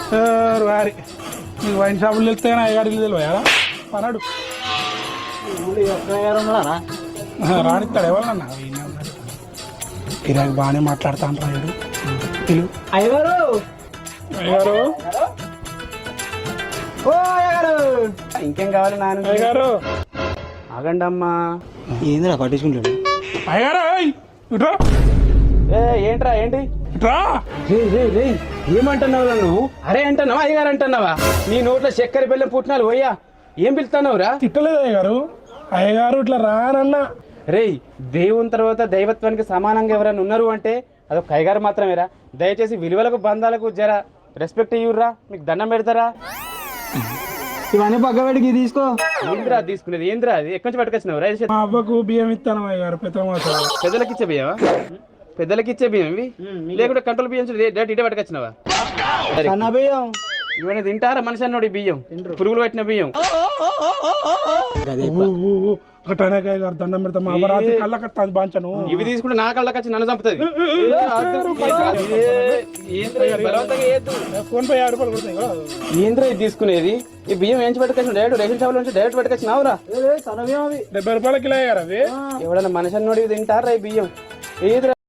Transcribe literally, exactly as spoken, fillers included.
వారి నీకు వైన్ షాపులు వెళ్తే అయ్యగారు ఇల్లు తెలియదా పనాడు రానిస్తాడు ఎవరన్నా కిరాకి బాగానే మాట్లాడుతా అంటాడు తెలుగు అయ్యగారు అయ్యగారు ఓ అయ్యగారు ఇంకేం కావాలి నాన్న అయ్యగారు ఆగండి అమ్మా ఏందిరా పట్టించుకుంటాడు అయ్యగారు ఇట్రా ఏ ఏంట్రా ఏంటి ఇట్రా రే రే రే ఏమంటున్నావు నువ్వు అరే అంటున్నావా అయ్యగారు అంటున్నావా నీ నోట్లో చక్కెర బెల్లం పుట్టినాలు పోయ్యా ఏం పిలుస్తున్నావురా తిట్టలేదు అయ్యగారు అయ్యగారు ఇట్లా రానన్నా రేయ్ దేవుని తర్వాత దైవత్వానికి సమానంగా ఎవరైనా ఉన్నారు అంటే అదొక అయ్యగారు మాత్రమేరా దయచేసి విలువలకు బంధాలకు జర రెస్పెక్ట్ ఇవ్వరా మీకు దండం పెడతారా ఇవన్నీ పక్కబడికి తీసుకో ఏంద్రా తీసుకునేది ఏంద్రా అది ఎక్కడి నుంచి పట్టుకొచ్చినావు రైతు మా అబ్బకు బియ్యం ఇస్తాను అయ్యగారు పెద్ద మాసాలు పెద్దలకి ఇచ్చే బియ్యమా పెద్దలకి ఇచ్చే బియ్యం ఇవి లేకుంటే కంట్రోల్ బియ్యం డైరెక్ట్ ఇటే పట్టుకొచ్చినావా సన్న బియ్యం ఇవన్నీ తింటారా మనిషి అన్నోడు ఈ బియ్యం పురుగులు పెట్టిన బియ్యం కట్టానకాయ గారు దండం పెడతా మా అపరాధి కళ్ళ కట్టాది బాంచను ఇవి తీసుకుంటే నా కళ్ళకి వచ్చి నన్ను చంపుతుంది ఫోన్ పే యాభై రూపాయలు కొడతాయి కదా ఏంద్రా ఇది తీసుకునేది ఈ బియ్యం ఏంచి పట్టుకొచ్చిన డైరెక్ట్ రేషన్ షాప్ నుంచి డైరెక్ట్ పట్టుకొచ్చినావురా సన్న బియ్యం అవి డెబ్బై రూపాయల కిలో అయ్యారు అవి ఎవడన్నా మనిషి అన్నోడు తింటారా ఈ బియ్యం ఏదిరా